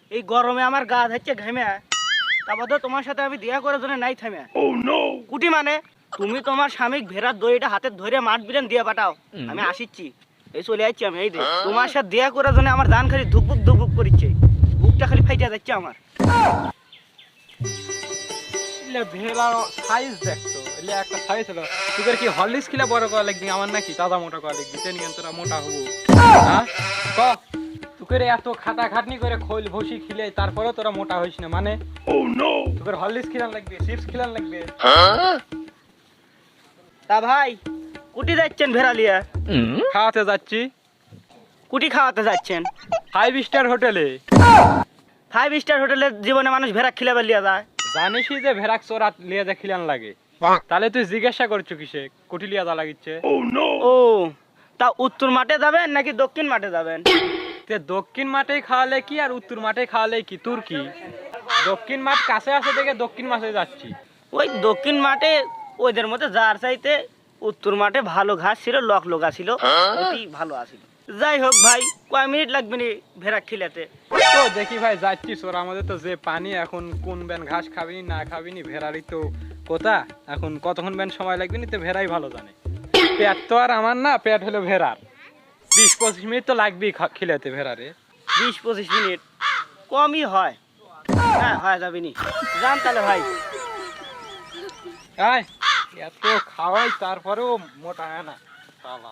এই গরমে আমার গা ধাচ্ছে ঘেমে, তারপর তো তোমার সাথে আমি দেয়া করার জন্য নাই থামে। কুটি মানে তুমি তোমার স্বামী ভেড়ার দড়িটা হাতে ধরে মাঠ বিলেন দিয়ে পাঠাও, আমি আসিচ্ছি, এই চলে যাচ্ছি আমি। এই তোমার সাথে দেয়া করার জন্য আমার দান খালি ধুকবুক ধুকবুক করছে, বুকটা খালি ফাইটা যাচ্ছে আমার। ভেড়া সাইজ দেখতো, এলে একটা সাইজ হলো। তোদের কি হরলিক্স খেলে বড় করা লাগবি, আমার নাকি তাজা মোটা করা লাগবি? তে নিয়ে তোরা মোটা হবো? হ্যাঁ ক, তোকে এত খাটা খাটনি করে খোল ভসি খিলে তারপরে তোরা মোটা হইস না মানে? তোদের হরলিক্স খিলান লাগবে, চিপস খিলান লাগবে। তা ভাই কুটি যাচ্ছেন ভেড়া লিয়া? খাওয়াতে যাচ্ছি। কুটি খাওয়াতে যাচ্ছেন? 5 স্টার হোটেলে। 5 স্টার হোটেলে জীবনে মানুষ ভেড়া খিলাবার লিয়া যায়? জানিসই যে ভেড়াক চোরা লিয়া যা খিলান লাগে, তাহলে তুই জিজ্ঞাসা করছো কিসে কুটি লিয়া যা লাগিচ্ছে? ও তা উত্তর মাঠে যাবেন নাকি দক্ষিণ মাঠে যাবেন? তে দক্ষিণ মাঠে খাওয়ালে কি আর উত্তর মাঠে খাওয়ালে কি? তোর কি? দক্ষিণ মাঠ কাছে আছে দেখে দক্ষিণ মাঠে যাচ্ছি। ওই দক্ষিণ মাঠে ওদের মধ্যে যার চাইতে উত্তর মাঠে ভালো ঘাস ছিল, লক লগা ছিল, অতি ভালো আছিল। যাই হোক ভাই, কয় মিনিট লাগবে নি ভেড়া খিলাতে? তো দেখি ভাই যাচ্ছি সোরা, আমাদের তো যে পানি এখন কোন ব্যান ঘাস খাবিনি না খাবিনি ভেড়ারই তো কথা, এখন কতক্ষণ ব্যান সময় লাগবে নি তো ভেড়াই ভালো জানে। পেট তো আর আমার না, পেট হলো ভেড়ার। 20-25 মিনিট তো লাগবেই খিলাতে ভেড়ারে। 20-25 মিনিট কমই হয়। হ্যাঁ হয় যাবে নি, যান তাহলে ভাই। আয় এত খাওয়াই তারপরেও মোটা হয় না শালা।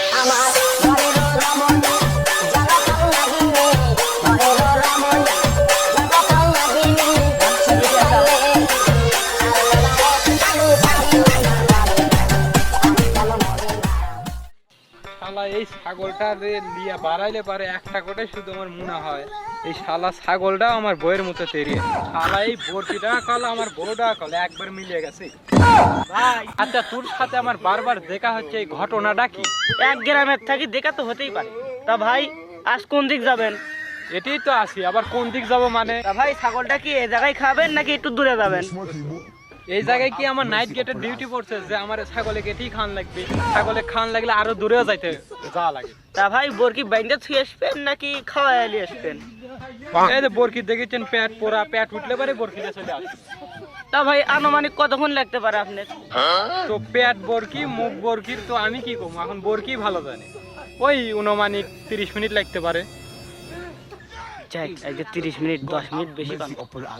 শালা এই ছাগলটা লিয়া বাড়াইলে পারে একটা করে শুধু আমার মনে হয় এই শালা ছাগলটাও আমার বইয়ের মতো তেরিয়ে। শালা এই বরকিটা কাল আমার বড়টা কাল একবার মিলিয়ে গেছে ভাই। আচ্ছা তোর সাথে আমার বারবার দেখা হচ্ছে, এই ঘটনাটা কি? এক গ্রামের থাকি দেখা তো হতেই পারে। তা ভাই আজ কোন দিক যাবেন? এটাই তো আসি, আবার কোন দিক যাব মানে? তা ভাই ছাগলটা কি এই জায়গায় খাবেন নাকি একটু দূরে যাবেন? এই জায়গায় কি আমার নাইট গেটের ডিউটি পড়ছে যে আমার ছাগলে গেটেই খান লাগবে? ছাগলে খান লাগলে আরো দূরেও যাইতে যাওয়া লাগে। তা ভাই বরকি বাইন্দা ছুঁয়ে আসবেন নাকি খাওয়াই নিয়ে আসবেন? এই যে বরকি দেখেছেন পেট পোড়া, পেট উঠলে পারে বরকিটা চলে আসে। তা ভাই আনুমানিক কতক্ষণ লাগতে পারে আপনার? তো পেট বরকি মুখ বরকির তো আমি কি কম, এখন বরকি ভালো জানে। ওই অনুমানিক 30 মিনিট লাগতে পারে। যাই আজকে 30 মিনিট 10 মিনিট বেশি পান।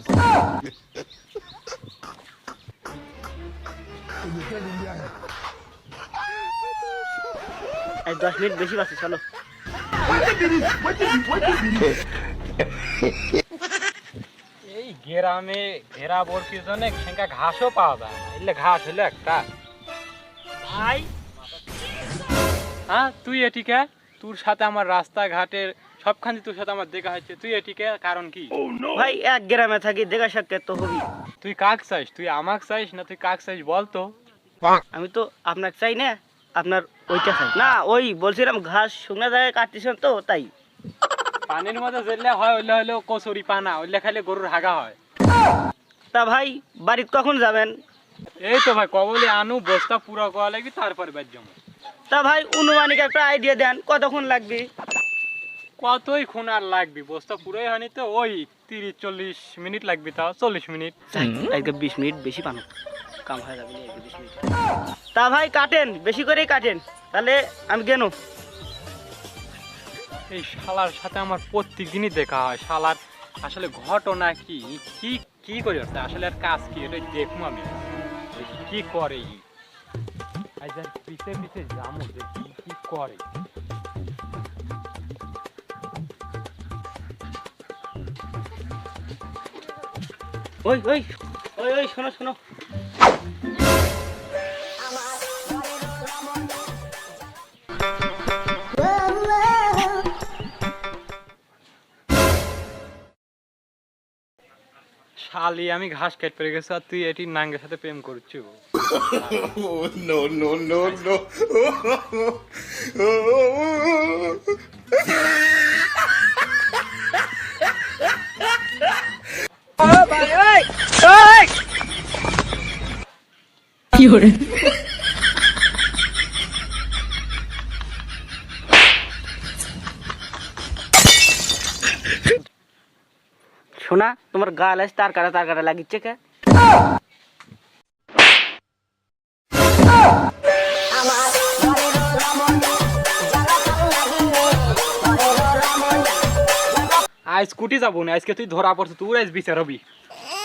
এই 10 মিনিট বেশি বাকি, চলো। এই গ্রামে ঘেরা বরকির জন্য সেঙ্কা ঘাসও পাওয়া যায় না, এলে ঘাস হলো একটা। ভাই হ্যাঁ তুই এটিকে, তোর সাথে আমার রাস্তাঘাটের সবখানে তোর সাথে আমার দেখা হচ্ছে, তুই এটিকে কারণ কি? ভাই এক গ্রামে থাকি, দেখা সাক্ষাৎ তো হবি। তুই কাক চাইস? তুই আমাক চাইস না তুই কাক চাইস বলতো? আমি তো আপনাকে চাই না, আপনার ওইটা চাই না। ওই বলছিলাম ঘাস শুকনা জায়গায় কাটতেছেন তো তাই। পানির মধ্যে জেলে হয় ওইলে হলো কচুরি পানা, ওইলে খাইলে গরুর হাগা হয়। তা ভাই বাড়িতে কখন যাবেন? এই তো ভাই কবলে আনু বস্তা পুরো করা লাগবে তারপরে বাদ যাবো। তা ভাই অনুমানিক একটা আইডিয়া দেন, কতক্ষণ লাগবে? কতই খুন আর লাগবে, বস্তা পুরোই হয়নি তো ওই 30-40 মিনিট লাগবে, তাও 40 মিনিট। আজকে 20 মিনিট বেশি পানো, কাম হয়ে যাবে 20 মিনিট। তা ভাই কাটেন, বেশি করেই কাটেন, তাহলে আমি কেন? এই শালার সাথে আমার প্রত্যেক দিনই দেখা হয়। শালার আসলে ঘটনা কি কি কি করে আসলে আর কাজ কি এটা দেখবো আমি, দেখি কি করে। পিছে পিছে যাবো দেখি কি করে। ওই ওই ওই ওই শোনো শোনো, শালি আমি ঘাস কেটে পেরে গেছি আর তুই এটি নাঙ্গের সাথে প্রেম করছো? No, no, no, no. কি হরে শোনা তোমার গাল আছে তার কাটা লাগিচ্ছে কে? আজ স্কুটি যাবো না, আজকে তুই ধরা পড়ছো, তুই আজ বিচার হবি।